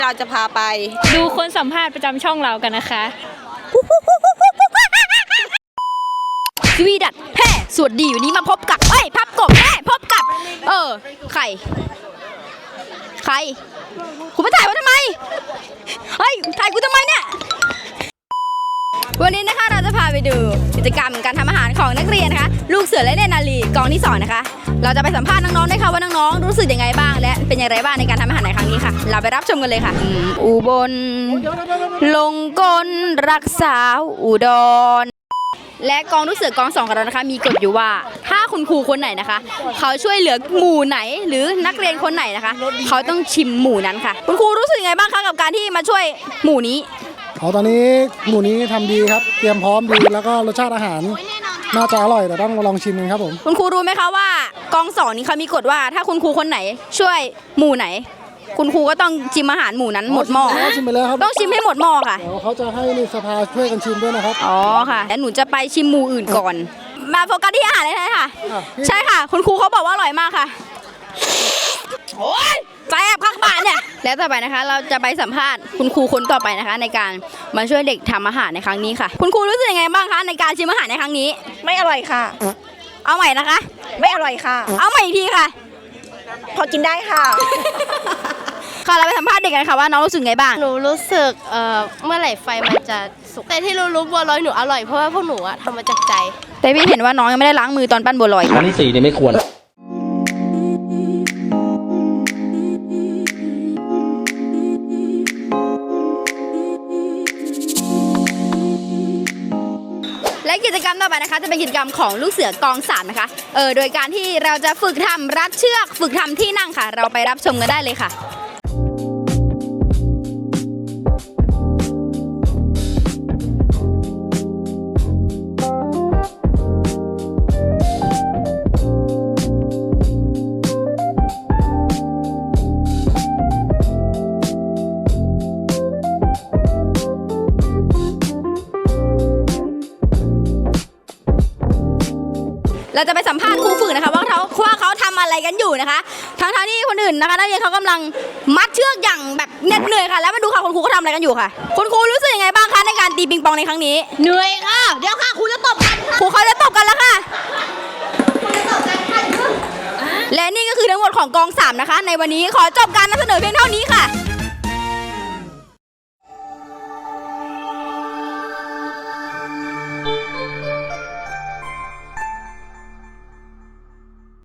เราจะพาไปดูคนสัมภาษณ์ประจำช่องเรากันนะคะสวีดัตแฮ่สวัสดีวันนี้มาพบกับพับกบแฮ่พบกับใครคุณมาถ่ายว่าทำไมถ่ายกูทำไมเนี่ยวันนี้นะคะเราจะพาไปดูกิจกรรมการทำอาหารของนักเรียนนะคะลูกเสือและเนตรนารีกองที่2นะคะเราจะไปสัมภาษณ์น้องๆด้วยค่ะว่าน้องๆรู้สึกยังไงบ้างและเป็นอย่างไรบ้างในการทำอาหารในครั้งนี้ค่ะเราไปรับชมกันเลยค่ะอุบลลงกลรักษาอุดรและกองลูกเสือกอง2ของเรานะคะมีกฎอยู่ว่าถ้าคุณครูคนไหนนะคะเขาช่วยเหลือหมู่ไหนหรือนักเรียนคนไหนนะคะเขาต้องชิมหมู่นั้นค่ะคุณครูรู้สึกยังไงบ้างคะกับการที่มาช่วยหมู่นี้ตอนนี้หมู่นี้ทำดีครับเตรียมพร้อมดีแล้วก็รสชาติอาหารน่าจะอร่อยแต่ต้องมาลองชิมกันครับผมคุณครูรู้ไหมคะว่ากอง2นี้เขามีกฎว่าถ้าคุณครูคนไหนช่วยหมู่ไหนคุณครูก็ต้องชิมอาหารหมู่นั้นหมดหม้อชิมไปแล้วครับต้องชิมให้หมดหม้อค่ะเดี๋ยวเขาจะให้ในสภาช่วยกันชิมด้วยนะครับอ๋อค่ะแล้วหนูจะไปชิมหมู่อื่นก่อนมาโฟกัสที่อาหารเลยค่ะใช่ค่ะคุณครูเขาบอกว่าอร่อยมากค่ะโอ้ยแซ่บข้างบ้านเนี่ยแล้วต่อไปนะคะเราจะไปสัมภาษณ์คุณครูคนต่อไปนะคะในการมาช่วยเด็กทำอาหารในครั้งนี้ค่ะคุณครูรู้สึกยังไงบ้างคะในการชิมอาหารในครั้งนี้ไม่อร่อยค่ะเอาใหม่นะคะไม่อร่อยค่ะเอาใหม่อีกทีค่ะพอกินได้ค่ะค่ะเราไปสัมภาษณ์เด็กกันค่ะว่าน้องรู้สึกไงบ้างหนูรู้สึกเมื่อไหร่ไฟมันจะสุกแต่ที่รู้บัวลอยหนูอร่อยเพราะว่าพวกหนูทำมาจากใจแต่พี่เห็นว่าน้องยังไม่ได้ล้างมือตอนปั้นบัวลอยครั้งที่4เนี่ยไม่ควรและกิจกรรมต่อไปนะคะจะเป็นกิจกรรมของลูกเสือกอง3นะคะโดยการที่เราจะฝึกทำรัดเชือกฝึกทำที่นั่งค่ะเราไปรับชมกันได้เลยค่ะเราจะไปสัมภาษณ์ครูฝึกนะคะว่าเขาทำอะไรกันอยู่นะคะทั้งที่คนอื่นนะคะนักเรียนเขากำลังมัดเชือกอย่างแบบเหน็ดเหนื่อยค่ะแล้วมาดูค่ะคุณครูเขาทำอะไรกันอยู่ค่ะคุณครูรู้สึกยังไงบ้างคะในการตีปิงปองในครั้งนี้เหนื่อยค่ะเดี๋ยวค่ะครูจะตบกันครูเขาจะตบกันแล้วค่ะและนี่ก็คือทั้งหมดของกอง3นะคะในวันนี้ขอจบการนำเสนอเพียงเท่านี้ค่ะ